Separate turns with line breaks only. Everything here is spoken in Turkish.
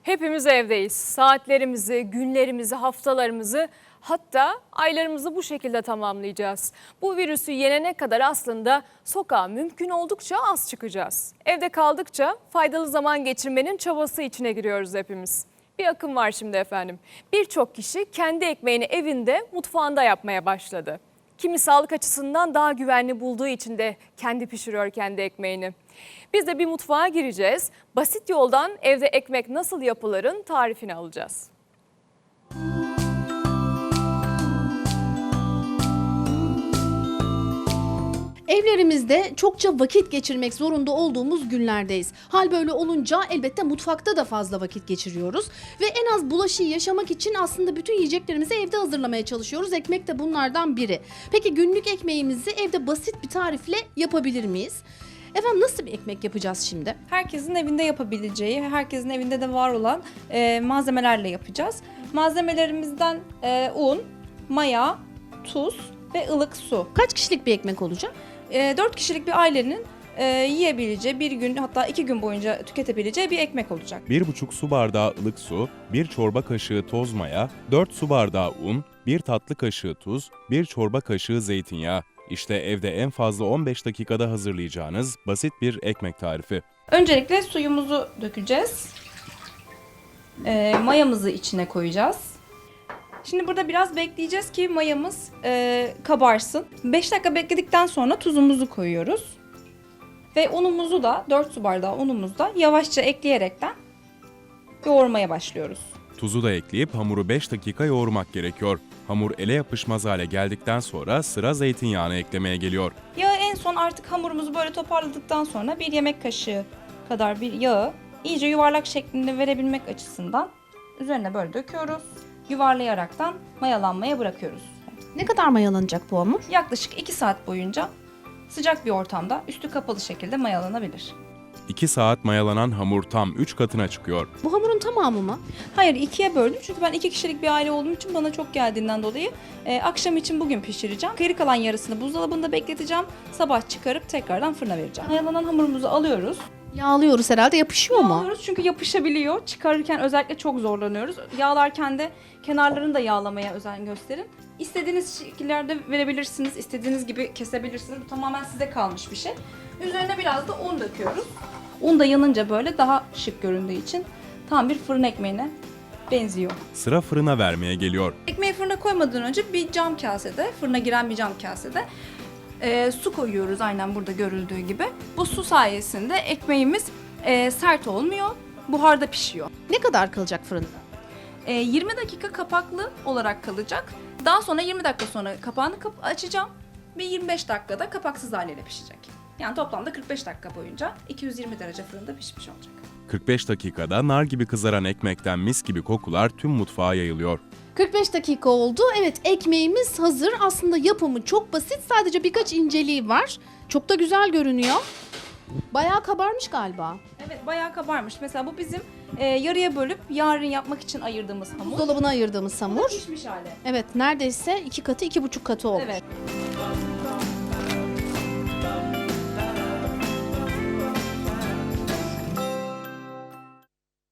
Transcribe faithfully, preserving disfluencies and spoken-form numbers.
Hepimiz evdeyiz. Saatlerimizi, günlerimizi, haftalarımızı, hatta aylarımızı bu şekilde tamamlayacağız. Bu virüsü yenene kadar aslında sokağa mümkün oldukça az çıkacağız. Evde kaldıkça faydalı zaman geçirmenin çabası içine giriyoruz hepimiz. Bir akım var şimdi efendim. Birçok kişi kendi ekmeğini evinde, mutfağında yapmaya başladı. Kimi sağlık açısından daha güvenli bulduğu için de kendi pişiriyor kendi ekmeğini. Biz de bir mutfağa gireceğiz. Basit yoldan evde ekmek nasıl yapılırın tarifini alacağız.
Evlerimizde çokça vakit geçirmek zorunda olduğumuz günlerdeyiz. Hal böyle olunca elbette mutfakta da fazla vakit geçiriyoruz. Ve en az bulaşığı yaşamak için aslında bütün yiyeceklerimizi evde hazırlamaya çalışıyoruz. Ekmek de bunlardan biri. Peki günlük ekmeğimizi evde basit bir tarifle yapabilir miyiz? Efendim nasıl bir ekmek yapacağız şimdi?
Herkesin evinde yapabileceği, herkesin evinde de var olan e, malzemelerle yapacağız. Malzemelerimizden e, un, maya, tuz ve ılık su.
Kaç kişilik bir ekmek olacak?
E, dört kişilik bir ailenin e, yiyebileceği, bir gün hatta iki gün boyunca tüketebileceği bir ekmek olacak.
bir buçuk su bardağı ılık su, bir çorba kaşığı toz maya, dört su bardağı un, bir tatlı kaşığı tuz, bir çorba kaşığı zeytinyağı. İşte evde en fazla on beş dakikada hazırlayacağınız basit bir ekmek tarifi.
Öncelikle suyumuzu dökeceğiz. E, mayamızı içine koyacağız. Şimdi burada biraz bekleyeceğiz ki mayamız e, kabarsın. beş dakika bekledikten sonra tuzumuzu koyuyoruz. Ve unumuzu da dört su bardağı unumuzu da yavaşça ekleyerekten yoğurmaya başlıyoruz.
Tuzu da ekleyip hamuru beş dakika yoğurmak gerekiyor. Hamur ele yapışmaz hale geldikten sonra sıra zeytinyağını eklemeye geliyor.
Yağı en son artık hamurumuzu böyle toparladıktan sonra bir yemek kaşığı kadar bir yağı iyice yuvarlak şeklinde verebilmek açısından üzerine böyle döküyoruz. Yuvarlayaraktan mayalanmaya bırakıyoruz.
Ne kadar mayalanacak bu hamur?
Yaklaşık iki saat boyunca sıcak bir ortamda üstü kapalı şekilde mayalanabilir.
iki saat mayalanan hamur tam üç katına çıkıyor.
Bu hamurun tamamı mı?
Hayır, ikiye böldüm çünkü ben iki kişilik bir aile olduğum için bana çok geldiğinden dolayı e, akşam için bugün pişireceğim. Geri kalan yarısını buzdolabında bekleteceğim. Sabah çıkarıp tekrardan fırına vereceğim. Mayalanan hamurumuzu alıyoruz.
Yağlıyoruz herhalde, yapışıyor mu?
Yağlıyoruz çünkü yapışabiliyor. Çıkarırken özellikle çok zorlanıyoruz. Yağlarken de kenarlarını da yağlamaya özen gösterin. İstediğiniz şekillerde verebilirsiniz. İstediğiniz gibi kesebilirsiniz. Bu tamamen size kalmış bir şey. Üzerine biraz da un döküyoruz. Un da yanınca böyle daha şık göründüğü için tam bir fırın ekmeğine benziyor.
Sıra fırına vermeye geliyor.
Ekmeği fırına koymadan önce bir cam kasede, fırına giren bir cam kasede e, su koyuyoruz aynen burada görüldüğü gibi. Bu su sayesinde ekmeğimiz e, sert olmuyor, buharda pişiyor.
Ne kadar kalacak fırında?
E, yirmi dakika kapaklı olarak kalacak. Daha sonra yirmi dakika sonra kapağını kap açacağım ve yirmi beş dakikada kapaksız haliyle pişecek. Yani toplamda kırk beş dakika boyunca iki yüz yirmi derece fırında pişmiş olacak.
kırk beş dakikada nar gibi kızaran ekmekten mis gibi kokular tüm mutfağa yayılıyor.
kırk beş dakika oldu. Evet, ekmeğimiz hazır. Aslında yapımı çok basit. Sadece birkaç inceliği var. Çok da güzel görünüyor. Bayağı kabarmış galiba.
Evet, bayağı kabarmış. Mesela bu bizim e, yarıya bölüp yarın yapmak için ayırdığımız hamur.
Buzdolabına ayırdığımız
Bu da
hamur.
pişmiş hali.
Evet, neredeyse iki katı, iki buçuk katı olmuş.
Evet.